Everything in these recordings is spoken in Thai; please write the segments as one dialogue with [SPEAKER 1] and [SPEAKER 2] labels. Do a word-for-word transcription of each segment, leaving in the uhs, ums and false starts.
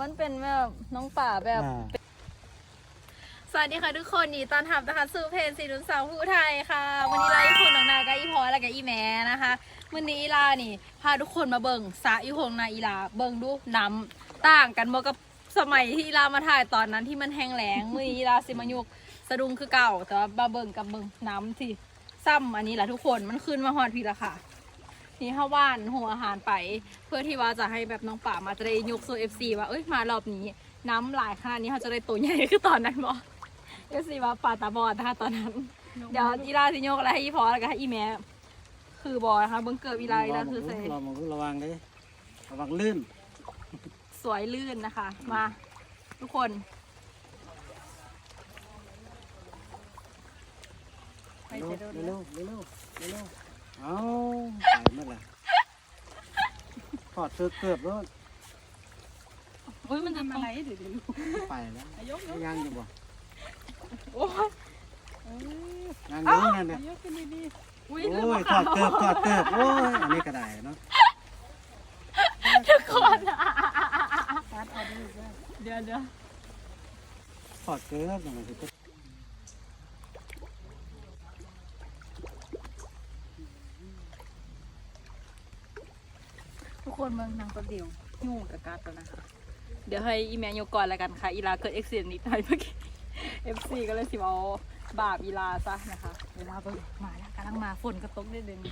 [SPEAKER 1] มันเป็นแบบน้องป่าแบบสวัสดีค่ะทุกคนนี่ตอนทำนะคะสู่เพจสีนุ่นสาวผู้ไทยค่ะวันนี้ลาอีคุณน้องนากับอีพอและกับอีแม่นะคะวันนี้อีลานี่พาทุกคนมาเบิ่งสระอีหงนาอีลาเบิ่งดูน้ำต่างกันบ่กับสมัยที่อีลามาถ่ายตอนนั้นที่มันแห้งแล้งมื้อนี้อีลาสิมายุกสะดุ้งคือเก่าแต่ว่ามาเบิ่งกับเบิ่งน้ำที่ซ้ำอันนี้แหละทุกคนมันขึ้นมาฮอดพี่ละค่ะนี่ข้าวว่านหัวอาหารไปเพื่อที่ว่าจะให้แบบน้องป่ามาจะได้ยกโซเอฟซีว่าเอ้ยมารอบนี้น้ำหลายขนาดนี้เขาจะได้ตัวใหญ่คือตอนนั้นบ่เอฟซีว่าป่าตาบอดนะคะตอนนั้นเดี๋ยวอีลาสิโยกอะไรให้อีพอแล้วก็ให้อีแม่คือบอนะคะเบิ้งเกิดอีลาอีลาคือใส่
[SPEAKER 2] ระวังระวังเลยระวังลื่น
[SPEAKER 1] สวยลื่นนะคะมาทุกคน
[SPEAKER 2] เร็วเร็วเร็วเร็วเร็วเอาไปเมื่อไหร่ถอดเสื้อเกือบแล้ว
[SPEAKER 1] อุ้ยมันทำอะไร
[SPEAKER 2] เดี๋ยวเดี๋ยวไปแล้วยังอยู่บ่
[SPEAKER 1] โอ้ย
[SPEAKER 2] ยังอยู่นั่นเนี่ย
[SPEAKER 1] อุ้ย
[SPEAKER 2] โอ้ยถอดเกือบถอดเกือบโอ้ยอันนี้ก็ได้เนาะ
[SPEAKER 1] ทุกคนเดี๋ยวเดี๋ยว
[SPEAKER 2] ถอดเกือบอย่างไรสิ
[SPEAKER 1] ทุกคนเมืองนางตัวเดียวยุ่งกับการตัวนะคะเดี๋ยวให้อีแมนโยก่อนแล้วกันค่ะอีลาเกิดเอ็กซิเดนต์นิดหน่อยเมื่อกี้เอฟซีก็เลยสิเอาบาปอีลาซะนะคะเวลาไปมาแล้วกำลังมาฝนกระตกได้เด่น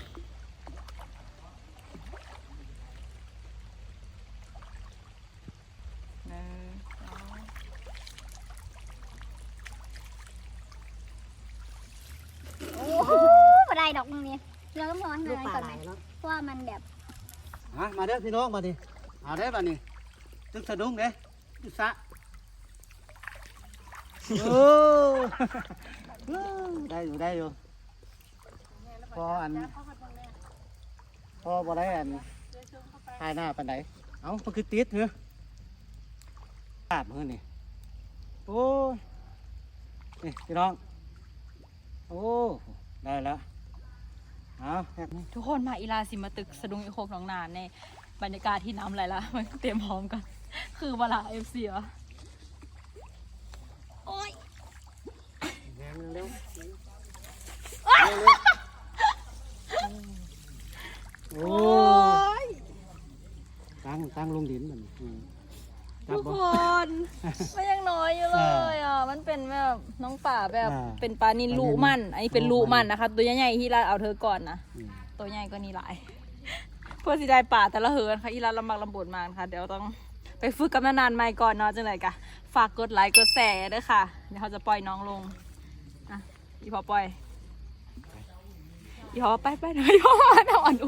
[SPEAKER 3] โอ้โหมาได้ดอกมึงเนี่ยเราต้องร้อนเลยก่อนไหมเพราะว่ามันแบบ
[SPEAKER 2] ฮะมาเด้อพี่น้องมาดิเอาได้ป่ะนี่ตึกสะดุ้งเด้ตึกสะโอ้ได้อยู่ได้อยู่พออันพอบ่ได้อันถ่ายหน้าปานใดเอ้ามันคือติดเหรอพลาดมือนี่โอ้นี่พี่น้องโอ้ได้แล้วเอา
[SPEAKER 1] ทุกคนมาอีลาสิมาตึกสะดุ้งอีโคกหนองนานในบรรยากาศที่น้ำไหลละมันเตรียมพร้อมกันคือเวลาเอฟซีอะโอ้ย
[SPEAKER 2] เร็วเร็วโอ้ยตั้งตั้งลงดินมัน
[SPEAKER 1] ทุกคนมันยังน้อยอยู่เลยอ่ะมันเป็นแบบน้องป่าแบบเป็นปลานิลลูมันอันนี้เป็นลูมันนะคะตัวใหญ่ๆที่เราเอาเธอก่อนนะตัวใหญ่ก็นี่หลายเพื่อสิได้ป่าแต่ละเหินค่ะอีลาลำบากลำบนมากค่ะเดี๋ยวต้องไปฝึกกับนานๆใหม่ก่อนเนาะจังไรกะฝากกดไลค์กดแชร์ด้วยค่ะเดี๋ยวเขาจะปล่อยน้องลงอ่ะอีพอปล่อยอีพอไปไปหน่อยอีพอมาอ่อน